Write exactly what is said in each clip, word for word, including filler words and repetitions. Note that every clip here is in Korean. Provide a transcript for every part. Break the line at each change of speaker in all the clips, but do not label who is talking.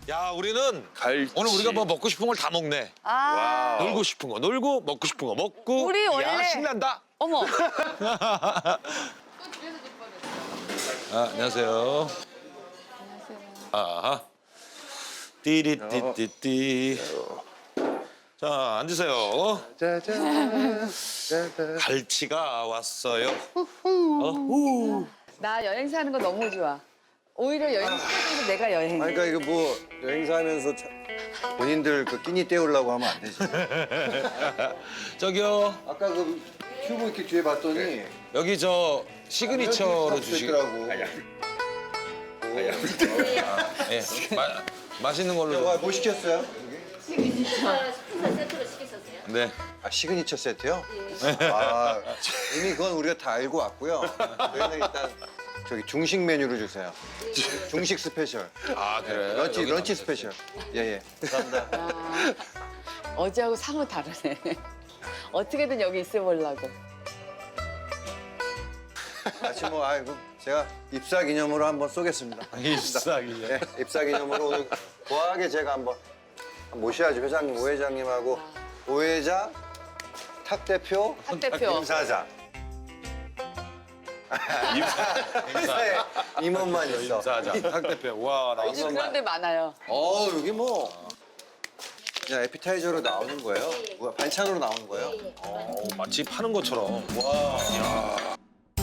야, 우리는
갈치.
오늘 우리가 뭐 먹고 싶은 걸 다 먹네.
아,
와우.
놀고 싶은 거 놀고, 먹고 싶은 거 먹고.
우리
야,
원래-
신난다.
어머.
아, 안녕하세요. 아하. 띠리띠띠띠. 자, 앉으세요.
짜잔. 짜잔.
갈치가 왔어요. 어? 후.
나 여행사 하는 거 너무 좋아. 오히려 여행 시켜줘서 내가 여행해.
아니, 그러니까 이거 뭐 여행사 하면서 차- 본인들 그 끼니 때우려고 하면 안 되지.
저기요,
아까 그 큐브 이렇게 뒤에 봤더니
여기 저 시그니처로 주시고.
주시더라고.
예, 마, 맛있는 걸로.
와, 뭐 시켰어요?
식사 세트로 시켰었어요.
네.
아, 시그니처 세트요? 아, 이미 그건 우리가 다 알고 왔고요. 저희는 일단 저기 중식 메뉴를 주세요. 중식 스페셜.
아, 그래.
런치,
여기
런치
남겼어요.
스페셜. 예, 예. 감사합니다.
아, 어제하고 사뭇 다르네. 어떻게든 여기 있어보려고.
아침 뭐, 아이고, 제가 입사 기념으로 한번 쏘겠습니다.
입사기요.
네, 입사 기념으로 오늘 거하게 제가 한번 모셔야죠. 회장님, 오 회장님하고 오 회장, 탁 대표,
탁 대표.
임 사장. 회사에 임원만 있어.
임사장. 탁 대표. 와, 나
요즘 그런 데 많아요.
어, 여기 뭐 그냥 에피타이저로 나오는 거예요? 뭐야, 반찬으로 나오는 거예요?
어, 마치 파는 것처럼. 와.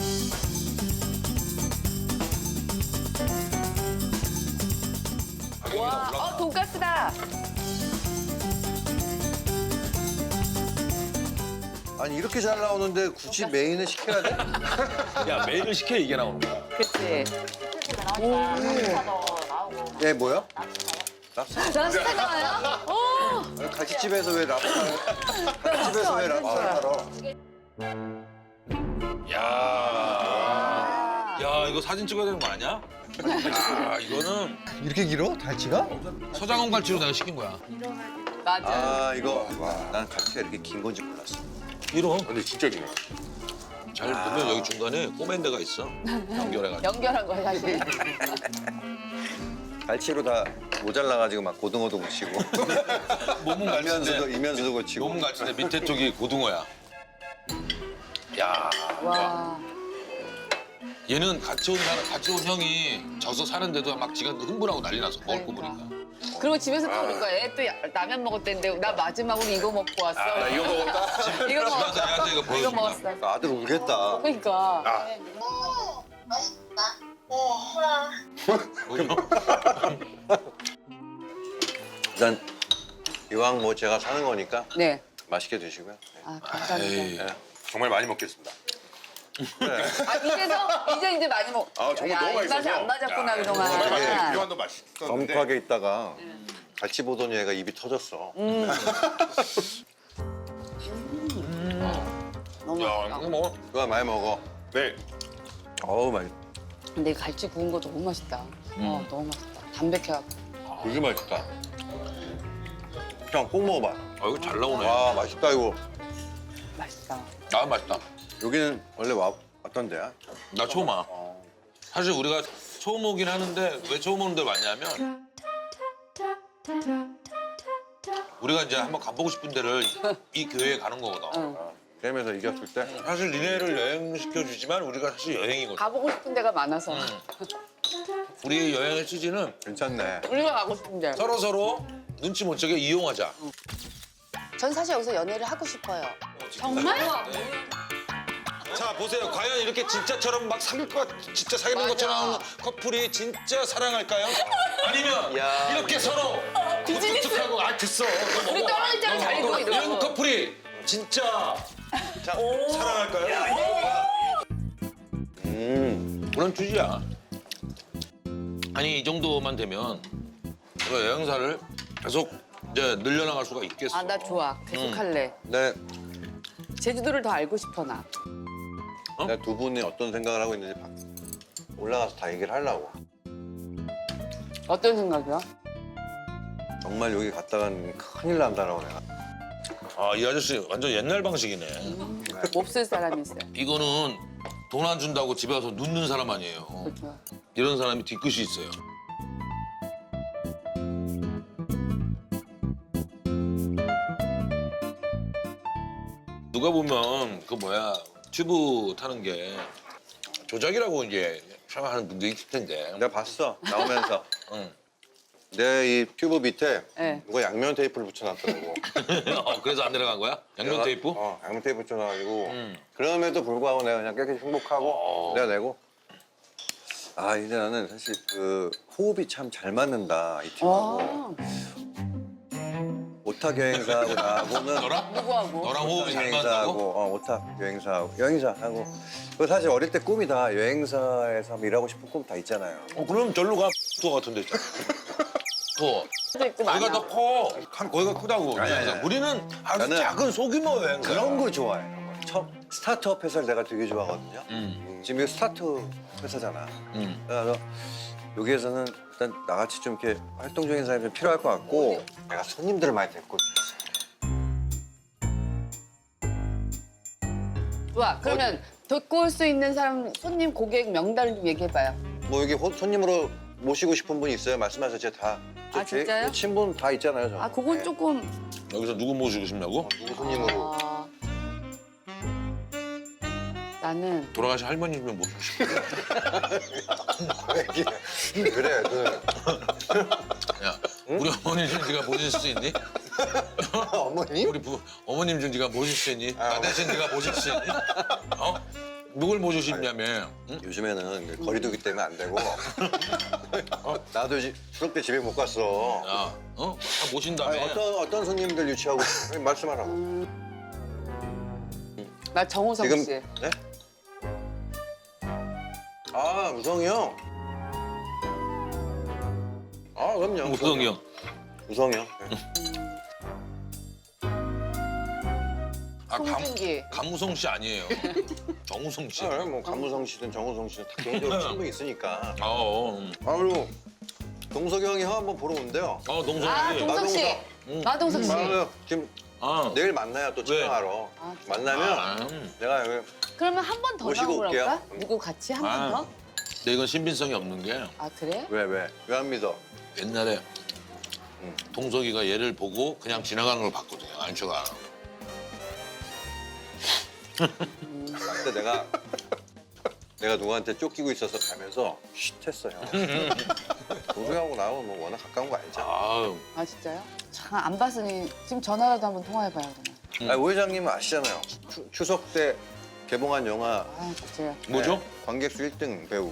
와, 어, 돈가스다.
아니 이렇게 잘 나오는데 굳이 메인을 시켜야 돼?
야, 메일을 시켜 이게 나오는 거야.
그치.
예, 뭐요? 랍스터.
랍스타 나와요? 오!
갈치집에서 왜 랍스타를? 갈치집에서 왜 랍스타를 팔어?
야. 야, 이거 사진 찍어야 되는 거 아니야? 야, 이거는
이렇게 길어? 갈치가?
서장훈 갈치로 내가 시킨 거야.
맞아.
아 이거 난 갈치가 이렇게 긴 건지 몰랐어.
이런.
근데 진짜 길어.
잘 보면 여기 중간에 꼬맨 데가 있어. 연결해가지고.
연결한 거야, 사실.
갈치로 다 모자라가지고 막 고등어도 묻히고
몸은
이면수도
갈치인데,
이면수도 고치고.
몸은 갈치인데 밑에 쪽이 고등어야. 야.
와.
얘는 같이 온 사람, 같이 온 형이 져서 사는데도 막 지가 흥분하고 난리 나서 먹을 거 보니까.
그리고 집에서 또 그럴 거야. 얘 또 라면 먹었대는데 나 마지막으로 이거 먹고 왔어.
나 이거 먹었다.
이거
집에서
먹었어.
애한테 이거
이거
보여준다.
먹었어.
아들 울겠다.
그러니까.
일단 이왕 뭐 제가 사는 거니까
네.
맛있게 드시고요. 네.
아, 감사합니다.
에이.
정말 많이 먹겠습니다.
아, 이제서 이제 이제 많이 먹.
아, 정말
야,
너무
입맛이
맛있어서.
안 맞았구나
야,
그동안.
정말 맛있게 비료한도 맛있었는데.
엄하게 있다가 갈치 보더니 얘가 입이 터졌어.
너무
야,
맛있다.
이거 먹어.
그거 많이 먹어.
네.
어우 맛있.
근데 갈치 구운 거 너무 맛있다. 어, 너무 맛있다. 담백해갖고.
되게 맛있다. 형 꼭 먹어봐.
아, 이거 잘 나오네.
와 맛있다 이거.
맛있다.
아, 맛있다.
여기는 원래 와, 왔던 데야?
나 처음 와. 사실 우리가 처음 오긴 하는데 왜 처음 오는 데 왔냐면 우리가 이제 한번 가보고 싶은 데를 이 교회에 가는 거거든.
응.
게임에서 이겼을 때
사실 니네를 여행시켜주지만 우리가 사실 여행이거든.
가보고 싶은 데가 많아서.
우리 여행의 취지는
괜찮네.
우리가 가고 싶은 데.
서로 서로 눈치 못 채게 이용하자.
전 사실 여기서 연애를 하고 싶어요.
정말?
자, 보세요. 과연 이렇게 진짜처럼 막 사귈 것, 진짜 사귀는
맞아.
것처럼 커플이 진짜 사랑할까요? 아니면
야,
이렇게 서로
비즈니스.
하고 아 됐어. 너
우리
먹어.
떨어질 때는
너
잘
먹어.
익어, 이러고.
이런 커플이 진짜 자, 사랑할까요?
음.
그런 취지야. 아니 이 정도만 되면 우리가 여행사를 계속 이제 늘려나갈 수가 있겠어.
아, 나 좋아. 계속
음.
할래.
네,
제주도를 더 알고 싶어, 나.
내가 두 분이 어떤 생각을 하고 있는지 봐. 올라가서 다 얘기를 하려고.
어떤 생각이야?
정말 여기 갔다간 큰일 난다라고 내가.
아, 이 아저씨 완전 옛날 방식이네.
몹쓸 사람이 있어요.
이거는 돈 안 준다고 집에 와서 눕는 사람 아니에요.
그렇죠.
이런 사람이 뒤끝이 있어요. 누가 보면 그 뭐야 튜브 타는 게 조작이라고 이제 생각하는 분도 있을 텐데.
내가 봤어 나오면서.
응.
내 이 튜브 밑에
네.
누가 양면 테이프를 붙여놨더라고.
어, 그래서 안 내려간 거야? 양면
내가-
테이프?
어, 양면 테이프 붙여놔가지고.
음.
그럼에도 불구하고 내가 그냥 깨끗이 행복하고
어.
내가 내고. 아 이제 나는 사실 그 호흡이 참 잘 맞는다 이 팀하고.
아,
오탁 여행사하고 나하고는
너랑?
누구하고?
너랑 호흡이 잘
여행사하고
맞다고?
어, 오탁 여행사하고 여행사하고. 그 사실 어릴 때 꿈이 다 여행사에서 한번 일하고 싶은 꿈 다 있잖아요.
어 그럼 절로 가. 투어 같은 데 있잖아. 투어.
있고
거기가
많아.
더 커. 한 거기가 크다고.
아니, 아니, 아니.
우리는 아주
나는
작은 소규모 여행.
그런 거 좋아해. 첫 스타트업 회사를 내가 되게 좋아하거든요.
음.
지금 이거 스타트업 회사잖아.
음.
그래서 여기에서는 일단 나같이 좀 이렇게 활동적인 사람이 좀 필요할 것 같고 내가 손님들을 많이 데리고
좋아. 그러면 데리고 올 수 있는 사람 손님 고객 명단을 좀 얘기해봐요.
뭐 여기 호- 손님으로 모시고 싶은 분 있어요? 말씀하세요. 제가 다.
아,
제-
진짜요?
제 친분 다 있잖아요. 저는.
아, 그건
네.
조금.
여기서 누구 모시고 싶냐고?
어, 누구 손님으로.
아, 나는
돌아가신 할머니면 모시고 싶어.
그래. 그
야, 우리 어머니 좀 네가 모실 수 있니?
어머님?
우리 부, 어머님 좀 네가 모실 수 있니?
아,
나 대신 네가 모실 수 있니? 어? 누굴 모시십냐며? 응?
요즘에는 거리두기 때문에 안 되고. 어? 나도 지- 추석 때 집에 못 갔어.
야, 어? 다 모신다며?
아니, 어떤 어떤 손님들 유치하고 말씀하라고.
나 정우성
지금
씨.
네? 아 우성이 형. 아 그럼요.
우성이 형.
우성이 형. 네.
아, 감,
송중기.
감우성 씨 아니에요. 정우성 씨.
아, 뭐 감우성 씨든 정우성 씨든 다 개인적으로 친분이 있으니까.
어, 어, 음.
아 그리고 동석이 형이 형 한번 보러 온대요.
어, 동성이.
아, 동석 씨.
응.
마동석 씨.
아, 지금
아,
내일 만나요 또 촬영하러.
아,
만나면
아, 음.
내가 여기
그러면 한 번 더
모시고
나오라고
올게요.
할까?
음.
누구 같이 한 번
아.
더?
근데 이건 신빙성이 없는 게
아, 그래?
왜 왜? 왜 안 믿어?
옛날에
음.
동석이가 얘를 보고 그냥 지나가는 걸 봤거든요. 안초가.
근데 내가 내가 누구한테 쫓기고 있어서 가면서 쉿 했어요. 동석이하고 나하고 뭐 워낙 가까운 거 알죠?
아유.
아, 진짜요? 참, 안 봤으니 지금 전화라도 한번 통화해봐요, 그러면.
음.
아니, 오 회장님은 아시잖아요. 추, 추석 때 개봉한 영화
아, 진짜요?
뭐죠?
네, 관객 수 일 등 배우.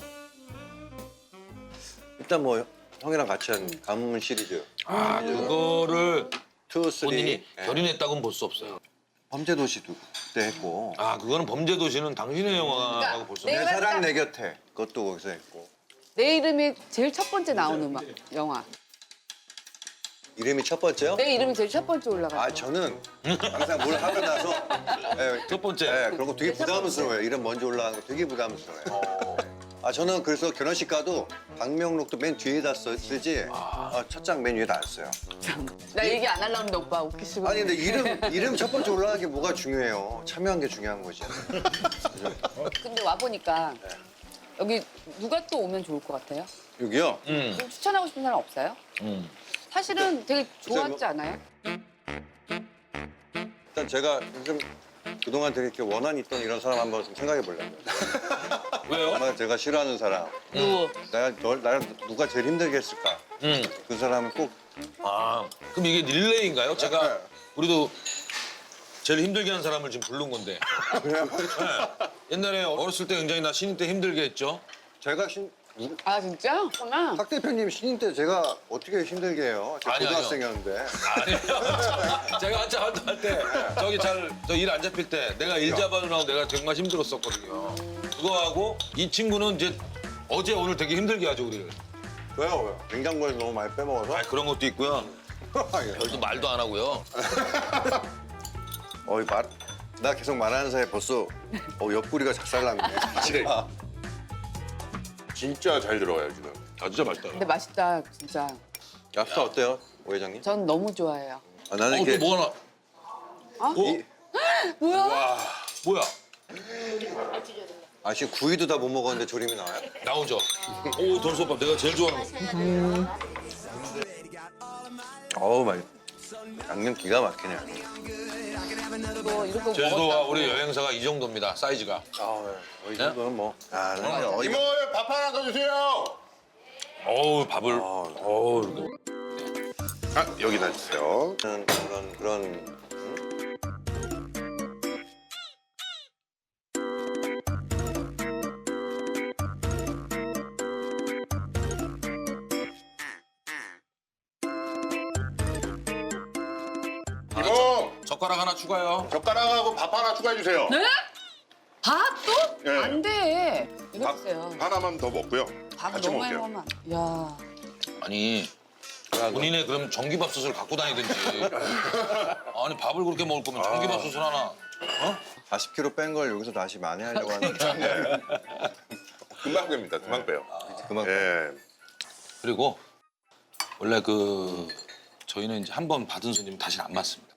일단 뭐 형이랑 같이 한 가문 시리즈
아, 그거를
투, 쓰리
본인이
네.
결인했다고는 볼 수 없어요.
범죄도시도 그때 했고
아, 그거는 범죄도시는 당신의 영화라고 볼 수
네.
없어요.
내 사랑 내 곁에 그것도 거기서 했고
내 이름이 제일 첫 번째 나온 음악, 영화.
이름이 첫 번째요?
내 이름이 제일 첫 번째 올라갔어.
아 저는 항상 뭘 하고 나서 예,
첫 번째.
예, 그런 거 되게 부담스러워요. 이름 먼저 올라가는 거 되게 부담스러워요. 아 저는 그래서 결혼식 가도 방명록도 맨 뒤에다 써- 쓰지 아, 첫 장 맨 위에다 안 써요.
나 얘기 안 하려고 했는데 오빠 웃기시고.
아니 근데 이름 이름 첫 번째 올라가는 게 뭐가 중요해요? 참여한 게 중요한 거지.
근데 와보니까 여기 누가 또 오면 좋을 것 같아요?
여기요?
음,
좀 추천하고 싶은 사람 없어요?
음.
사실은 되게 좋았지
뭐-
않아요?
일단 제가 좀 그동안 되게 이렇게 원한이 있던 이런 사람 한번 좀 생각해 보려고요.
왜요?
정말 제가 싫어하는 사람.
누구?
내가 널 나를 누가 제일 힘들게 했을까?
음.
그 사람은 꼭
아, 그럼 이게 릴레이인가요? 제가
네.
우리도 제일 힘들게 한 사람을 지금 부른 건데.
그냥
네. 옛날에 어렸을 때 굉장히 나 신인 때 힘들게 했죠.
제가 신,
아 진짜? 그러면
박 대표님 신인 때 제가 어떻게 힘들게 해요? 제가
아니,
고등학생이었는데.
아니요. 제가 한참 활동할 때 저기 잘 저 일 안 잡힐 때 내가 일 잡아주느라고 내가 정말 힘들었었거든요. 그거하고 이 친구는 이제 어제 오늘 되게 힘들게 하죠 우리를.
왜요? 왜요? 냉장고에서 너무 많이 빼먹어서?
아 그런 것도 있고요.
예.
별도 말도 안 하고요.
어이 말, 나 계속 말하는 사이에 벌써 어, 옆구리가 작살났네.
진짜 진짜 잘 들어가요 지금.
아 진짜 맛있다.
근데 맛있다 진짜.
랍스터 어때요, 오 회장님?
전 너무 좋아해요.
아, 나는
어,
이렇게
또 뭐 하나?
어?
이,
뭐야?
뭐야?
아 지금 구이도 다 못 먹었는데 조림이 나와요?
나오죠. 오 돈소밥 내가 제일 좋아하는 거.
어우 맛. 양념 기가 막히네.
뭐 이런 거
제주도와
먹었다고.
우리 여행사가 이 정도입니다. 사이즈가.
아, 네. 이 정도는 뭐. 아, 네. 어,
이모 밥 하나 더 주세요.
어우 밥을. 어우 이렇게.
아 여기다 주세요.
이거는 그런 그런.
이모
젓가락 하나 추가요.
젓가락하고 밥 하나 추가해 주세요.
네? 밥 또?
네.
안 돼. 이거
밥
주세요.
하나만 더 먹고요.
밥
같이
너무 많이
먹을게요.
먹으면. 야.
아니 본인의 그럼 전기밥솥을 갖고 다니든지. 아니 밥을 그렇게 먹을 거면 전기밥솥을 하나. 어?
사십 킬로그램 뺀 걸 여기서 다시 만회하려고 하는데
금방 뺍니다. 금방 빼요.
그만.
예.
그리고 원래 그 저희는 이제 한 번 받은 손님 다시 안 맞습니다.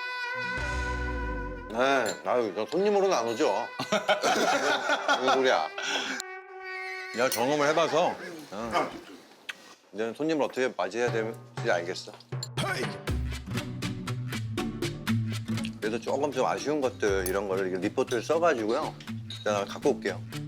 네, 아유, 저 손님으로는 안 오죠. 무슨 소리야? 내가 경험을 해봐서 어, 이제는 손님을 어떻게 맞이해야 되는지 알겠어. 그래서 조금 좀 아쉬운 것들 이런 거를 이렇게 리포트를 써가지고요. 제가 갖고 올게요.